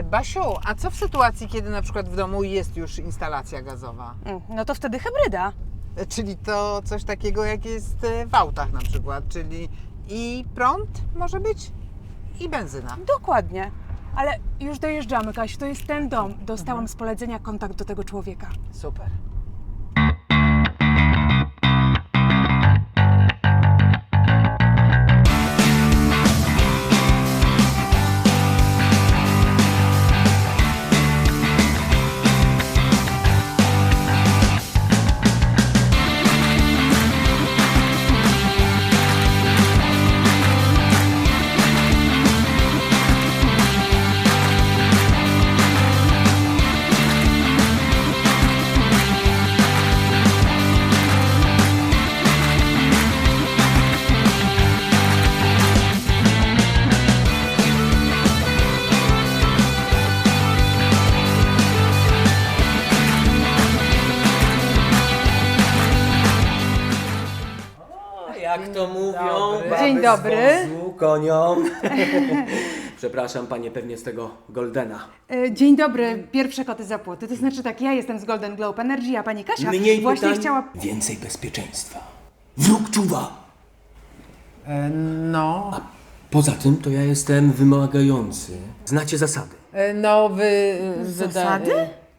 Basiu, a co w sytuacji, kiedy na przykład w domu jest już instalacja gazowa? No to wtedy hybryda. Czyli to coś takiego, jak jest w autach na przykład, czyli i prąd może być, i benzyna. Dokładnie. Ale już dojeżdżamy, Kasiu, to jest ten dom. Dostałam z polecenia kontakt do tego człowieka. Super. Jak to mówią, dobry. baby Dzień dobry. z wozu koniom. Przepraszam panie pewnie z tego Goldena. Dzień dobry, pierwsze koty za płoty. To znaczy tak, ja jestem z Golden Globe Energy, a pani Kasia Mniej właśnie pytań, chciała... więcej bezpieczeństwa. Wróg czuwa. No, Poza tym to ja jestem wymagający. Znacie zasady. no wy... Zasady?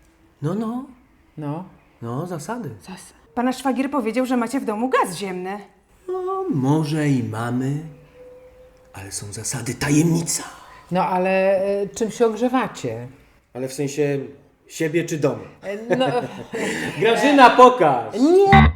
No. Zasady. Pana szwagier powiedział, że macie w domu gaz ziemny. No, może i mamy, ale są zasady, tajemnica. No ale czym się ogrzewacie? Ale w sensie siebie czy domu? No, Grażyna, pokaż! nie!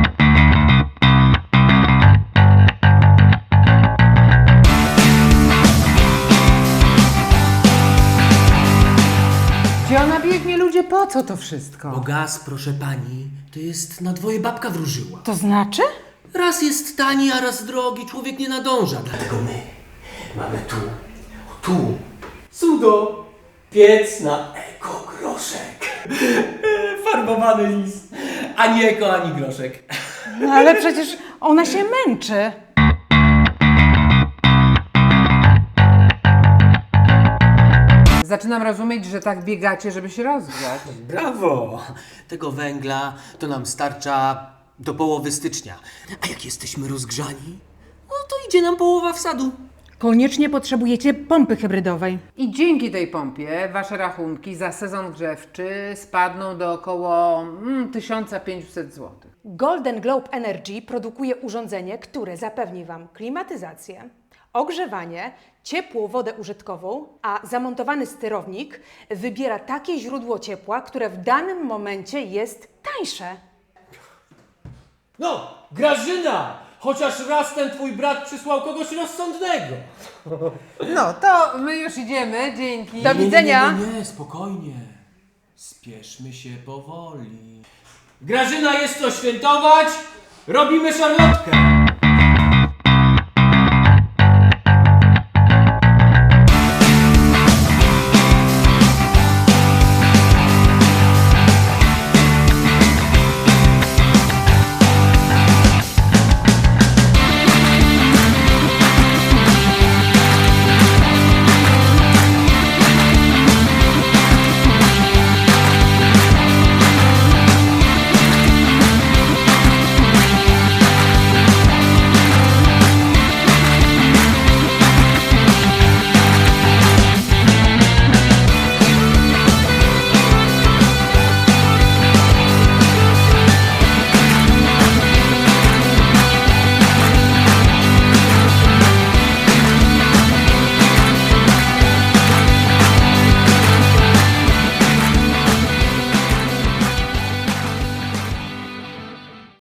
Gdzie ona biegnie, ludzie? Po co to wszystko? Bo gaz, proszę pani, to jest na dwoje babka wróżyła. To znaczy? Raz jest tani, a raz drogi, człowiek nie nadąża. Dlatego my mamy tu, cudo, piec na ekogroszek. Farbowany lis. Ani eko, ani groszek. No ale przecież ona się męczy. Zaczynam rozumieć, że tak biegacie, żeby się rozgrzać. Brawo! Tego węgla to nam starcza do połowy stycznia. A jak jesteśmy rozgrzani, no to idzie nam połowa wsadu. Koniecznie potrzebujecie pompy hybrydowej. I dzięki tej pompie wasze rachunki za sezon grzewczy spadną do około 1500 zł. Golden Globe Energy produkuje urządzenie, które zapewni Wam klimatyzację, ogrzewanie, ciepłą wodę użytkową, a zamontowany sterownik wybiera takie źródło ciepła, które w danym momencie jest tańsze. No, Grażyna! Chociaż raz ten twój brat przysłał kogoś rozsądnego. No to my już idziemy, dzięki. Do widzenia. Nie, spokojnie. Spieszmy się powoli. Grażyna, jest co świętować. Robimy szarlotkę.